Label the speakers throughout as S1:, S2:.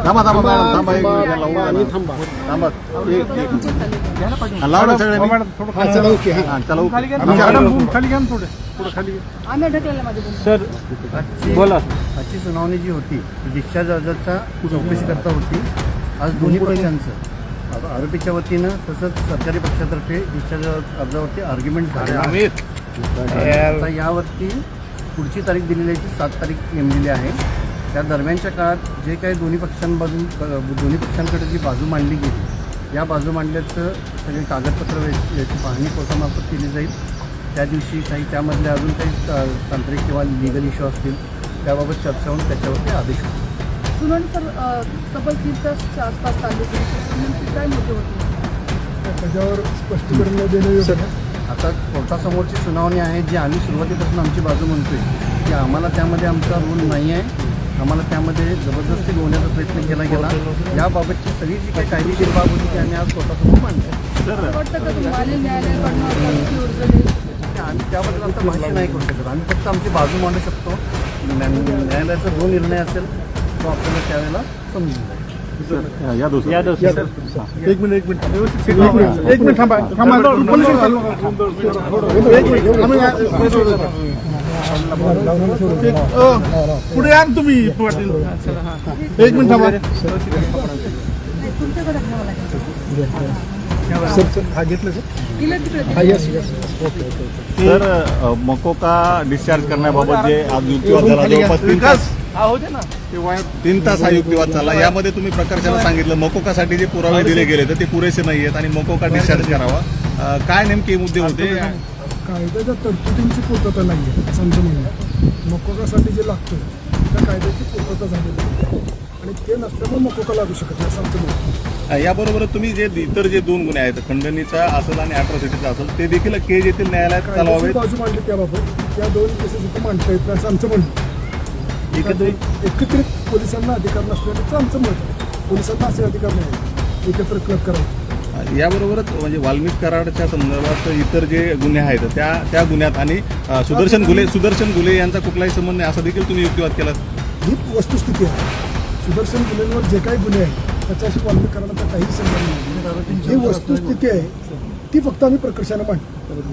S1: थांबा थांबा मॅडम थांबा एक मिनिट
S2: आणि थांबा.
S1: थांबा लावलं सगळ्यांनी
S2: चला ओके हा.
S1: चला
S3: खाली घ्या थोडे पुढे खाली घ्या.
S4: आम्ही ढकललं माझे
S3: सर बोला.
S5: आजची सुनावणी जी होती ती डिस्चार्ज अर्जाचा चौकशी करता होती. आज दोन्ही पक्षांचं आरोपीच्या वतीनं तसंच सरकारी पक्षातर्फे डिस्चार्ज अर्जावरती आर्ग्युमेंट झाले. आता यावरती पुढची तारीख दिलेली आहे ती 7 तारीख नेमलेली आहे. त्या दरम्यानच्या काळात जे काही दोन्ही पक्षांकडे जी बाजू मांडली गेली, या बाजू मांडल्याचं सगळे कागदपत्र याची पाहणी कोर्टामार्फत केली जाईल. त्या दिवशी काही त्यामधले अजून काही तांत्रिक किंवा लिगल इश्यू असतील त्याबाबत चर्चा होऊन त्याच्यावरती आदेश होईल.
S4: सुनावणी सर तब्बल 3 तासच्या आसपास चालली होती. काय मुद्दे होते
S2: त्याच्यावर स्पष्टीकरण देणं योग्य आहे.
S5: आता कोर्टासमोरची सुनावणी आहे जी आम्ही सुरुवातीपासून आमची बाजू म्हणतोय की आम्हाला त्यामध्ये आमचा रोल नाही आहे. आम्हाला त्यामध्ये जबरदस्ती होण्याचा प्रयत्न केला गेला. याबाबतची सगळी जी काही कायदेशीर बाब होती ती आम्ही आज कोर्टासमोर मांडली.
S4: वाटतं का तुम्हाला न्यायालयाकडनं
S5: आम्ही त्याबद्दल आता भाष्य नाही करू शकत. आम्ही फक्त आमची बाजू मांडू शकतो. न्यायालयाचा जो निर्णय असेल तो आपल्याला त्यावेळेला समजून जाईल.
S1: या दोस्ती
S2: एक मिनिट थांबा पुढे या तुम्ही. एक मिनिट थांबा.
S4: तुमच्याकडे घ्यावं लागेल.
S1: तर मकोका डिस्चार्ज करण्याबाबत जे आज युक्तिवाद झाला जवळपास 3 तास हा युक्तिवाद चालला. यामध्ये तुम्ही प्रकर्षानं सांगितलं मकोकासाठी जे पुरावे दिले गेले तर ते पुरेसे नाही आहेत आणि मकोका डिस्चार्ज करावा. काय नेमके मुद्दे होते?
S2: कायद्याच्या तरतुदींची पूर्तता नाही आहे असं आमचं म्हणणं आहे. मकोकासाठी जे लागतं त्या कायद्याची पूर्तता झालेली आहे आणि ते नसल्यामुळे मकोका लागू शकत नाही असं आमचं म्हणणं आहे.
S1: याबरोबर तुम्ही जे इतर जे 2 गुन्हे आहेत खंडणीचा असेल आणि अॅट्रॉसिटीचा असेल ते देखील केज येथील न्यायालयात चालवावे.
S2: बाजू मांडली त्याबाबत त्या 2 केसेस इथं मांडता येत नाही असं आमचं म्हणणं आहे. एकत्रित पोलिसांना अधिकार नसल्याचं आमचं मत आहे. पोलिसांना असे अधिकार नाही एकत्र क्लब करायचे.
S1: याबरोबरच म्हणजे वाल्मिक कराडच्या संदर्भात इतर जे गुन्हे आहेत त्या गुन्ह्यात आणि सुदर्शन घुले यांचा कुठलाही संबंध नाही असं देखील तुम्ही युक्तिवाद केला.
S2: ही वस्तुस्थिती आहे. सुदर्शन गुन्ह्यांवर जे काही गुन्हे आहेत त्याच्याशी वाल्मिक कराडाचा काहीच संबंध नाही. ही वस्तुस्थिती आहे ती फक्त आम्ही प्रकर्षानं मांडतो.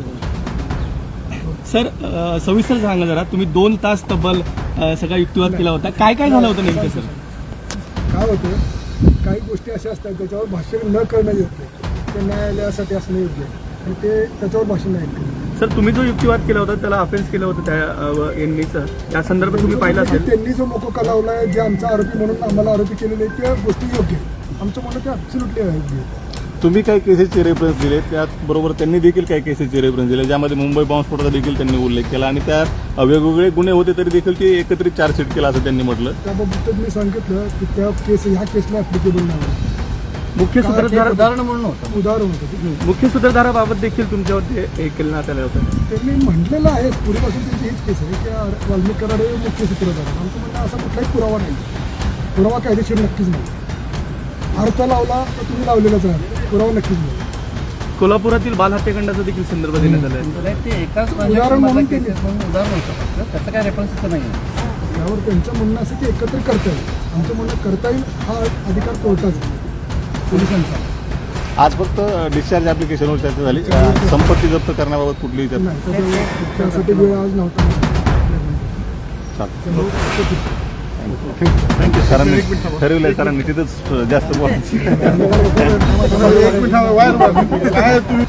S3: सर सविस्तर सांगा जरा. तुम्ही 2 तास तब्बल सगळा युक्तिवाद केला होता. काय काय झालं होतं नेमकं सर?
S2: काय होतं काही गोष्टी अशा असतात त्याच्यावर भाष्य न करणं योग्य आहे. ते न्यायालयासाठी असणं योग्य आहे आणि ते त्याच्यावर भाषण नाही केलं.
S3: सर तुम्ही जो युक्तिवाद केला होता त्याला अफेन्स केलं होतं त्या यांनीचं त्या संदर्भात तुम्ही पाहिलं असेल.
S2: त्यांनी जो मोकोका लावला आहे जे आमचा आरोपी म्हणून आम्हाला आरोपी केलेले आहेत त्या गोष्टी योग्य आहेत. आमचं म्हणणं ते ॲब्सोल्युटली योग्य आहे.
S1: तुम्ही काही केसेसचे रेफरन्स दिले त्याचबरोबर त्यांनी देखील काही केसेसचे रेफरन्स दिले ज्यामध्ये मुंबई बॉम्बस्फोटाचा देखील त्यांनी उल्लेख केला आणि त्या वेगवेगळे गुन्हे होते तरी देखील ते एकत्रित चार्जशीट केला असं त्यांनी म्हटलं.
S2: त्याबाबत मी सांगितलं की त्या केस ह्या केसला ॲप्लिकेबल नाही.
S3: मुख्य सूत्रधार
S5: उदाहरण म्हणून होतं.
S2: उदाहरण होतं
S3: मुख्य सूत्रधाराबाबत देखील तुमच्यावरती हे केलं ना त्याला होतं.
S2: त्यांनी म्हटलेलं आहे पूर्वीपासून त्यांची हीच केस आहे की वाल्मिक कराड हे मुख्य सूत्रधार. आमचं म्हणणं असा कुठलाही पुरावा नाही. पुरावा कायदेशीर नक्कीच नाही. अर्थ लावला तर तुम्ही लावलेलाच आहे. पुरावा नक्कीच नाही.
S3: कोल्हापुरातील बाल हत्याकांडाचा देखील संदर्भ देण्यात आला आहे.
S5: ते एकाच
S2: उदाहरण म्हणून केले.
S5: उदाहरण होतं फक्त त्याचं काय रेफरन्स इथं नाही आहे.
S2: यावर त्यांचं म्हणणं असं की एकत्र करता येईल. आमचं म्हणणं करता येईल हा अधिकार कोर्टाचा पोलिसांचा.
S1: आज फक्त डिस्चार्ज ॲप्लिकेशनवर चर्चा झाली. संपत्ती जप्त करण्याबाबत कुठलीही चर्चा
S2: नाही त्यासाठी वेळ आज नव्हता.
S1: थँक्यू. सरांनी ठरवलंय सरांनी तिथंच जास्त बोलायचं.